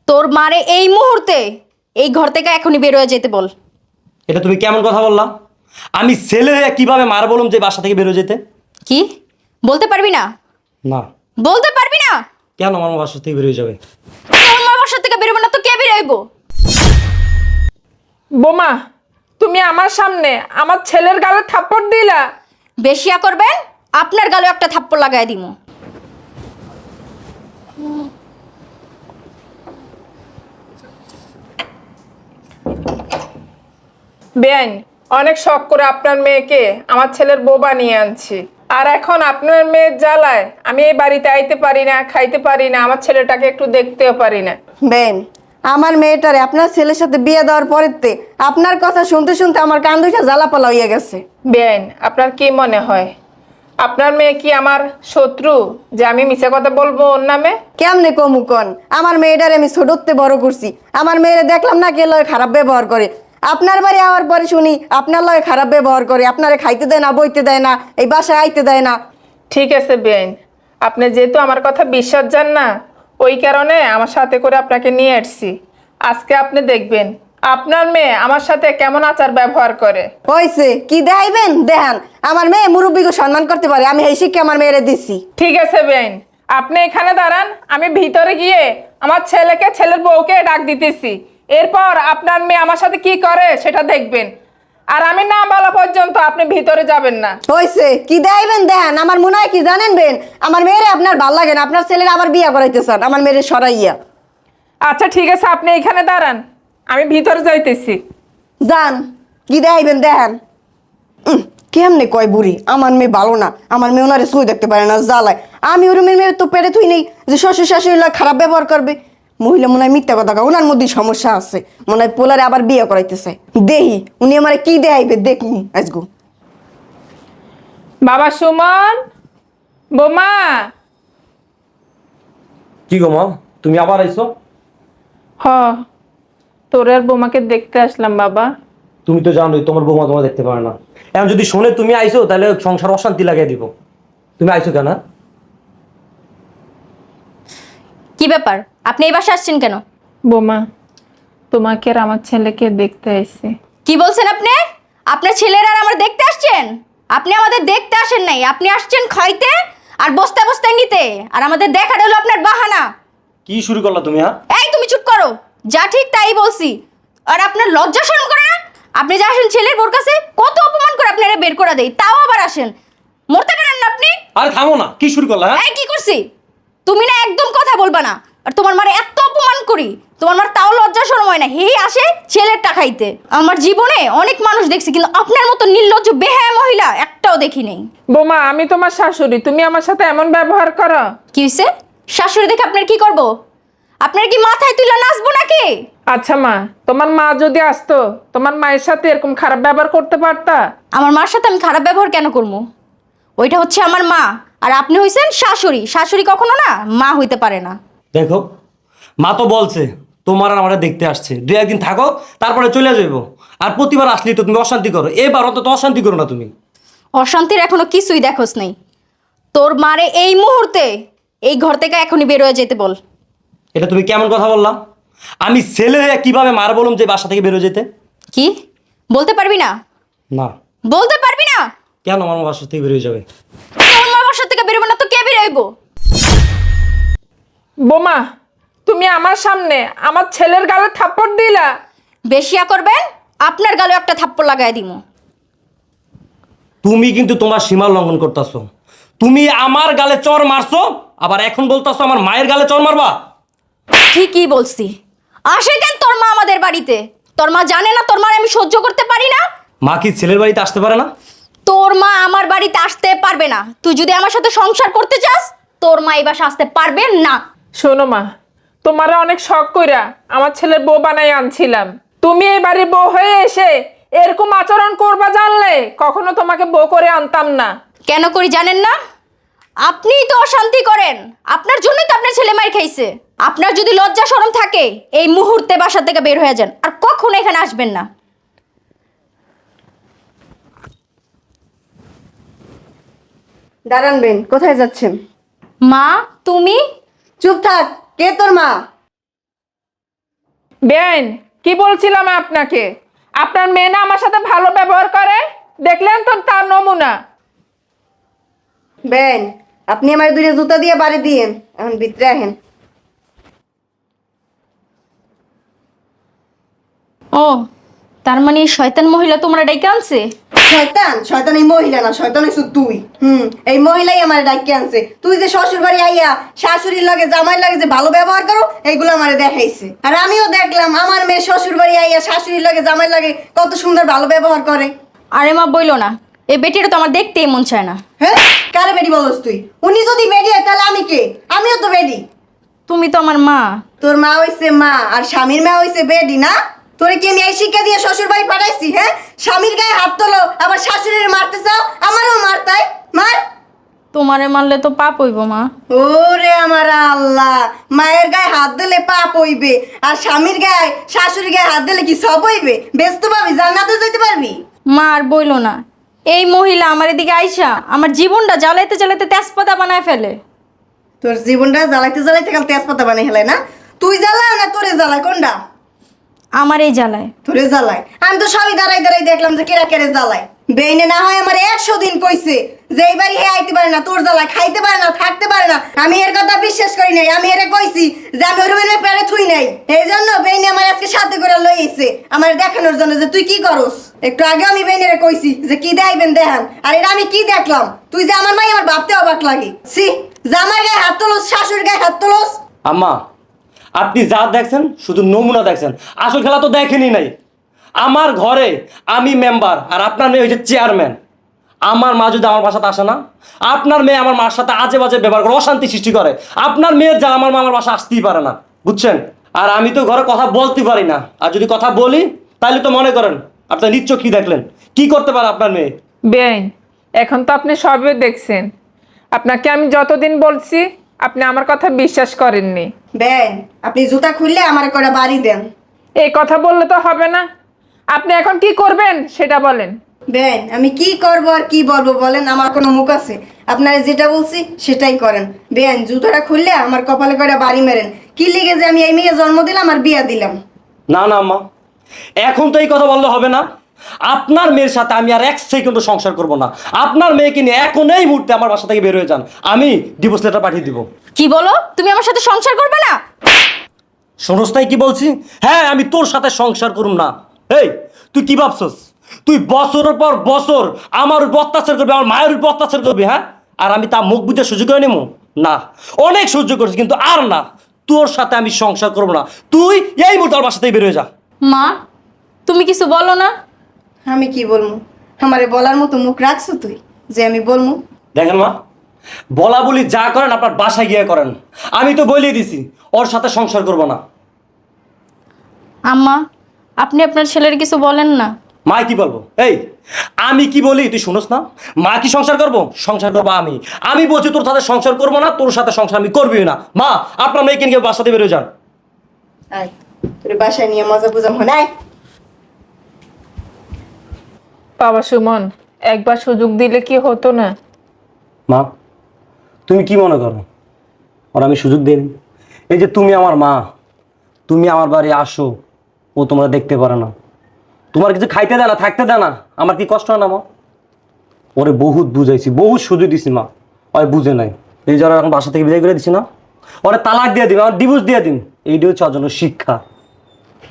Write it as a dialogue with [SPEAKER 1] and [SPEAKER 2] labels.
[SPEAKER 1] তোর মারে এই মুহূর্তে এই ঘর থেকে এখনই বের হয়ে যেতে বল।
[SPEAKER 2] এটা তুমি কেমন কথা বললা? আমি ছেলে হয়ে কিভাবে মার বললাম যে বাসা থেকে বেরো যেতে?
[SPEAKER 1] কি বলতে পারবি না?
[SPEAKER 2] না।
[SPEAKER 1] বলতে পারবি না?
[SPEAKER 2] কেন আমার বাসা থেকে বেরিয়ে যাবে?
[SPEAKER 1] তোর মা বাসা থেকে বেরোবে না তো কে বেরোইব?
[SPEAKER 3] বোমা, তুমি আমার সামনে আমার ছেলের গালে থাপ্পড় দিলা।
[SPEAKER 1] বেশিয়া করবেন, আপনার গালে একটা থাপ্পড় লাগাই দিমু।
[SPEAKER 3] বেআইন, অনেক শখ করে আপনার মেয়েকে আমার ছেলের বউ বানিয়ে আনছি, আর এখন আপনার মেয়ের জ্বালায় আমি এই বাড়িতে আইতে পারি না, খাইতে পারি না, আমার ছেলেটাকে একটু দেখতেও পারি না।
[SPEAKER 4] বেন, আমার মেয়েটারে আপনার ছেলের সাথে বিয়ে দেওয়ার পরেতে আপনার কথা শুনতে শুনতে আমার কান দুইটা জ্বালাপালা হইয়া গেছে।
[SPEAKER 3] বেআইন, আপনার কি মনে হয় আপনার মেয়ে কি আমার শত্রু যে আমি মিছে কথা বলবো ওর নামে?
[SPEAKER 4] কেমনে কমুকন, আমার মেয়েটারে আমি ছোটতে বড় করছি, আমার মেয়েরে দেখলাম না কে লয় খারাপ ব্যবহার করে। আপনার বাড়ি আওয়ার পরে শুনি আপনার লয় খারাপ ব্যবহার করে, আপনারে খাইতে দেয় না, বইতে দেয় না, এই বাসায় আইতে দেয় না।
[SPEAKER 3] ঠিক আছে বেআইন, আপনি যেহেতু আমার কথা বিশ্বাস যান না, ওই কারণে আমার সাথে করে আপনাকে নিয়ে আসছি। আজকে আপনি দেখবেন আপনার মেয়ে আমার সাথে কেমন আচার ব্যবহার করে।
[SPEAKER 4] হইছে কি দেখাইবেন দেখান, আমার মেয়ে মুরব্বীকে সম্মান করতে পারে, আমি এই শিক্ষা আমার মেয়েরে দিছি।
[SPEAKER 3] ঠিক আছে বেআইন, আপনি এখানে দাঁড়ান, আমি ভিতরে গিয়ে আমার ছেলেকে ছেলের বউকে ডাক দিতেছি। এরপর আপনার মেয়ে আমার সাথে কি করে সেটা দেখবেন, আর আমি না বলা পর্যন্ত আপনি ভিতরে যাবেন না।
[SPEAKER 4] হইছে কি দেখাইবেন দেখান, আমার মনে হয় কি জানেন বেন, আমার মেয়েরে আপনার ভাল লাগে না, আপনার ছেলের আবার বিয়া করাইতে চান আমার মেয়েরে সরাইয়া।
[SPEAKER 3] আচ্ছা ঠিক আছে, আপনি এখানে দাঁড়ান, আমি ভিতরে যাইতেছি।
[SPEAKER 4] যান, কি দেখাইবেন দেখান। কেমনে কয় বুড়ি আমার মেয়ে ভালো না, আমার মেয়ে ওনারে সুই দেখতে পারে না, জ্বালায়। আমি ওর মেয়ে তো পেরে থুই নেই যে শ্বশুর শাশুড়ি খারাপ ব্যবহার করবে। মহিলা মনে হয় মিথ্যা কথা কয়, ওনার মধ্যে সমস্যা আছে, মনে হয় পোলারে আবার বিয়ে করাইতেছে। দেহি উনি আমার কি দেখাইবে দেখুন আজগু।
[SPEAKER 3] বাবা সুমন, বোমা।
[SPEAKER 2] কি গো মা, তুমি আবার আইছো?
[SPEAKER 3] হ, তোর আর বোমাকে দেখতে আসলাম বাবা।
[SPEAKER 2] তুমি তো জানোই তোমার বৌমা তোমার দেখতে পারে না। এখন যদি শোনে তুমি আইছো তাহলে সংসার অশান্তি লাগিয়ে দিব। তুমি আইছো কেন?
[SPEAKER 1] কি ব্যাপার, আপনি এই বাসায় আসছেন কেন?
[SPEAKER 3] বোমা, তোমাকে আর আমার ছেলেকে দেখতে আইছি।
[SPEAKER 1] কি বলছেন আপনি? আপনার ছেলেরা আর আমার দেখতে আসছেন? আপনি আমাদের দেখতে আসেন নাই, আপনি আসছেন খাইতে আর বস্তা বস্তায় নিতে, আর আমাদের দেখাটা হলো আপনার বাহানা।
[SPEAKER 2] কি শুরু করলা তুমি? হ্যাঁ,
[SPEAKER 1] এই তুমি চুপ করো, যা ঠিক তাই বলছি। আর আপনার লজ্জা শরম করে না? আপনি যা আসেন ছেলের বোর কাছে, কত অপমান করে আপনারা বের করে দেই, তাও আবার আসেন। মরতে পারেন না আপনি?
[SPEAKER 2] আরে থামো না, কি শুরু করলা? হ্যাঁ,
[SPEAKER 1] এই কি করছি? তুমি না একদম কথা বলবা না। আর তোমার মারে এত অপমান করি, তোমার মার তাও লজ্জা শরম হয় না, হেই আসে ছেলেরটা খাইতে। আমার জীবনে অনেক মানুষ দেখছি, কিন্তু আপনার মতো নির্লজ্জ বেহায়া মহিলা একটাও দেখি নেই।
[SPEAKER 3] বোমা, আমি তোমার শাশুড়ি, তুমি আমার সাথে এমন ব্যবহার করো?
[SPEAKER 1] কি হইছে? শাশুড়ি দেখে আপনার কি করব? আপনার কি মাথায় তুলে নাচবো নাকি?
[SPEAKER 3] আচ্ছা মা, তোমার মা যদি আসতো তোমার মায়ের সাথে এরকম খারাপ ব্যবহার করতে পারতা?
[SPEAKER 1] আমার মার সাথে আমি খারাপ ব্যবহার কেন করবো? ওইটা হচ্ছে আমার মা, আর আপনি হইছেন শাশুড়ি। শাশুড়ি কখনো না মা হইতে পারে না।
[SPEAKER 2] দেখো, মা তো বলছে তোমার আর আমরা দেখতে আসছে, দুই একদিন থাকো তারপরে চলে যাইবো। আর প্রতিবার আসলেই তো তুমি অশান্তি করো, এবার অন্তত অশান্তি করো না তুমি।
[SPEAKER 1] অশান্তির এখনো কিছুই দেখোস নাই। তোর মারে এই মুহূর্তে এই ঘর থেকে এখনই বের হয়ে যেতে বল।
[SPEAKER 2] এটা তুমি কেমন কথা বললা? আমি ছেলে হয়ে কিভাবে মার বললাম যে বাসা থেকে বেরো যেতে?
[SPEAKER 1] কি বলতে পারবি না?
[SPEAKER 2] না।
[SPEAKER 1] বলতে পারবি না?
[SPEAKER 2] কেন আমার বাসা থেকে বেরিয়ে যাবে?
[SPEAKER 1] তোর মা বাসা থেকে বেরোবে না তো কে বেরোইব?
[SPEAKER 3] বোমা, তুমি আমার সামনে আমার ছেলের গালে থাপ্পড় দিলা।
[SPEAKER 1] বেশিয়া করবেন, আপনার গালে একটা থাপ্পড় লাগাই দিমু।
[SPEAKER 2] তুমি কিন্তু তোমার সীমা লঙ্ঘন করতেছো। তুমি আমার গালে চর মারছো, আবার এখন বলতেছো আমার মায়ের গালে চর মারবা।
[SPEAKER 1] ঠিকই বলছি। আসে কেন তোর মা আমাদের বাড়িতে? তোর মা জানে না তোর মার আমি সহ্য করতে পারি না?
[SPEAKER 2] মা কি ছেলের বাড়িতে আসতে পারে না?
[SPEAKER 1] তোর মা আমার বাড়িতে আসতে পারবে না। তুই যদি আমার সাথে সংসার করতে চাস, তোর মা এই বাসা আসতে পারবে না।
[SPEAKER 3] শোনো মা, তোমারে অনেক শখ কইরা আমার ছেলের বউ বানাই আনছিলাম। তুমি এই বাড়ির বউ হয়ে এসে এরকম আচরণ করবা জানলে কখনো তোমাকে বউ করে আনতাম না।
[SPEAKER 1] কেন করি জানেন না? আপনিই তো অশান্তি করেন। আপনার জন্যই তো আপনার ছেলে মার খাইছে। আপনার যদি লজ্জা শরম থাকে, এই মুহূর্তে বাসা থেকে বের হয়ে যান, আর কখনো এখানে আসবেন না।
[SPEAKER 4] দাঁড়ান বেন, কোথায় যাচ্ছেন?
[SPEAKER 1] মা তুমি?
[SPEAKER 4] চুপ থাক, কে তোর মা?
[SPEAKER 3] বেআইন, কি বলছিলাম আপনাকে? আপনার মেয়ে না আমার সাথে ভালো ব্যবহার করে, দেখলেন তো তার নমুনা।
[SPEAKER 4] বেন, আপনি আমার দুইটা জুতা দিয়ে বাড়ি দিয়েন, এখন ভিতরে আহেন।
[SPEAKER 1] ও, তার মানে এই শয়তান মহিলা তোমরা ডাইকে আনছে?
[SPEAKER 4] শয়তান? শয়তান এই মহিলা না, শয়তান হইছ তুই। এই মহিলাই আমার ডাইকে আনছে। তুই যে শ্বশুর বাড়ি আইয়া শাশুড়ির লাগে জামাইর লাগে যে ভালো ব্যবহার করো, এইগুলো আমারে দেখাইছে। আর আমিও দেখলাম আমার মেয়ে শ্বশুর বাড়ি আইয়া শাশুড়ির লাগে জামাইর লাগে কত সুন্দর ভালো ব্যবহার করে।
[SPEAKER 1] আরে মা বইলো না, এই বেটিটা তো আমার দেখতেই মন চায় না।
[SPEAKER 4] হ্যাঁ, কারে বেডি বলস তুই? উনি যদি বেডি হয় তাহলে আমি কে? আমিও তো বেডি।
[SPEAKER 1] তুমি তো আমার মা।
[SPEAKER 4] তোর মা হইছে মা আর স্বামীর মা হইছে বেডি না? তোরে কি আমি এই শিক্ষা দিয়ে শ্বশুর বাড়ি পাঠাইছি? হ্যাঁ, স্বামীর গায়ে হাত তোলো আবার শাশুড়ির মারতে চাও, আমারও মারতাই মার।
[SPEAKER 1] তোমারে মারলে তো পাপ হইব মা।
[SPEAKER 4] ওরে আমার আল্লাহ, মায়ের গায়ে হাত দিলে পাপ হইবে আর স্বামীর গায়ে শাশুড়ির গায়ে হাত দিলে কি সব হইবে? ব্যস্ত পাবি, জান্নাতে যেতে পারবি।
[SPEAKER 1] মা আর বইলো না, এই মহিলা আমার এদিকে আইসা আমার জীবনটা জ্বালাইতে জ্বালাইতে তেজপাতা বানায় ফেলে।
[SPEAKER 4] তোর জীবনটা জ্বালাইতে জ্বালাইতে কাল তেজপাতা বানাই হেলাই না? তুই জ্বালায় না তোরে জ্বালায়? কোনটা?
[SPEAKER 1] আমার এই জ্বালায়।
[SPEAKER 4] তোরে জ্বালায়? আমি তো সবই দাঁড়াই দাঁড়াই দেখলাম যে কেরা কেড়ে জ্বালায়। বেইনে না হয় আমার 100 দিন কইছে যে এই বাড়ি হে আইতে পারে না, তোর জ্বালায় খাইতে পারে না, থাকতে পারে না। আমি এর কথা বিশ্বাস করি নাই। আমি এরে কইছি যে আমি ওর মেয়ে পেরে থুই নাই। এই জন্য বেইনে আমার আজকে সাথে করে লইছে আমার দেখানোর জন্য যে তুই কি করস। একটু আগে আমি বেইনেরে কইছি যে কি দেখাইবেন দেখান, আর এটা আমি কি দেখলাম? তুই যে আমার মাই আমার ভাবতে অবাক লাগে। সি, জামাই গায়ে হাত তোলস, শাশুড়ির গায়ে হাত তোলস।
[SPEAKER 2] আম্মা, আপনি যা দেখছেন শুধু নমুনা দেখছেন, আসল খেলা তো দেখেনি নাই। আমার ঘরে আমি মেম্বার আর আপনার মেয়ে হচ্ছে চেয়ারম্যান। আমার মা যদি আমার বাসাতে আসে না, আপনার মেয়ে আমার মার সাথে আজে বাজে ব্যবহার করে অশান্তি সৃষ্টি করে। আপনার মেয়ের যা আমার মা আমার বাসা আসতেই পারে না, বুঝছেন? আর আমি তো ঘরে কথা বলতে পারি না, আর যদি কথা বলি তাহলে তো মনে করেন আপনার নিচ্ছ কি দেখলেন, কি করতে পারে আপনার মেয়ে।
[SPEAKER 3] বেআইন, এখন তো আপনি সবই দেখছেন। আপনাকে আমি যতদিন বলছি আপনি আমার কথা বিশ্বাস করেননি।
[SPEAKER 4] বেন, আপনি জুতা খুললে আমার করে বাড়ি দেন।
[SPEAKER 3] এই কথা বললে তো হবে না। আপনি এখন কি করবেন সেটা বলেন।
[SPEAKER 4] বেন, আমি কি করব আর কি বলবো বলেন? আমার কোনো মুখ আছে? আপনারা যেটা বলছি সেটাই করেন। বেন, জুতাটা খুললে আমার কপালে করে বাড়ি মেরেন। কি লিগে যে আমি এই মেয়ে জন্ম দিলাম আর বিয়া দিলাম?
[SPEAKER 2] না না আম্মা, এখন তো এই কথা বললে হবে না। আপনার মেয়ের সাথে আমি আর 1 সেকেন্ডও সংসার করব না। আপনার মেয়েকে নিয়ে এখন এই মুহূর্তে আমার বাসা থেকে বের হয়ে যান, আমি ডিভোর্স লেটার পাঠিয়ে দিব।
[SPEAKER 1] কি বলো? তুমি আমার সাথে সংসার করবে না?
[SPEAKER 2] শোনস তাই কি বলছি? হ্যাঁ, আমি তোর সাথে সংসার করুম না। এই, তুই কি ভাবছস তুই বছরের পর বছর আমার উপর অত্যাচার করবি, আমার মায়ের উপর অত্যাচার করবি? হ্যাঁ, আর আমি তা মুখ বুঝে সহ্য করে নেবো না? অনেক সহ্য করছি কিন্তু আর না, তোর সাথে আমি সংসার করবো না। তুই এই মুহূর্তে আমার বাসা থেকে বের হয়ে যা।
[SPEAKER 1] মা, তুমি কিছু বলো না?
[SPEAKER 4] আমি কি বলবো? আমারে বলার মতো মুখ রাখছো তুই যে আমি বলবো?
[SPEAKER 2] দেখেন মা, বলা বলি যা করেন আপনার বাসায় গিয়ে করেন। আমি তো বলেই দিছি ওর সাথে সংসার করবো না।
[SPEAKER 1] আম্মা, আপনি আপনার ছেলের কিছু বলেন না।
[SPEAKER 2] মা কি বলবো? এই, আমি কি বলি তুই শুনোস না? মা কি সংসার করবো? সংসার করবো আমি। আমি বলছি তোর সাথে সংসার করবো না, তোর সাথে সংসার আমি করবি না। মা, আপনার মেয়েকে নিয়ে বাসাতে বেরোয় যান।
[SPEAKER 4] আয়, তোর বাসায় নিয়ে মজা বুঝাম হয় নাই।
[SPEAKER 3] বাবা সুমন, একবার সুযোগ দিলে কি হতো না?
[SPEAKER 2] মা, তুমি কি মনে করো ওর আমি সুযোগ দিই? এই যে তুমি আমার মা, তুমি আমার বাড়ি আসো, ও তোমরা দেখতে পারে না, তোমার কিছু খাইতে দেয় না, থাকতে দেয় না, আমার কি কষ্ট হয় না মা? ওরে বহুত বুঝাইছি, বহুত সুযোগ দিছি মা, ওই বুঝে নাই। এই যারা এখন বাসা থেকে বিদায় করে দিছি না, ওরে তালাক দিয়ে দিন, আমার ডিভোর্স দিয়ে দিন, এইটা হচ্ছে ওর জন্য শিক্ষা।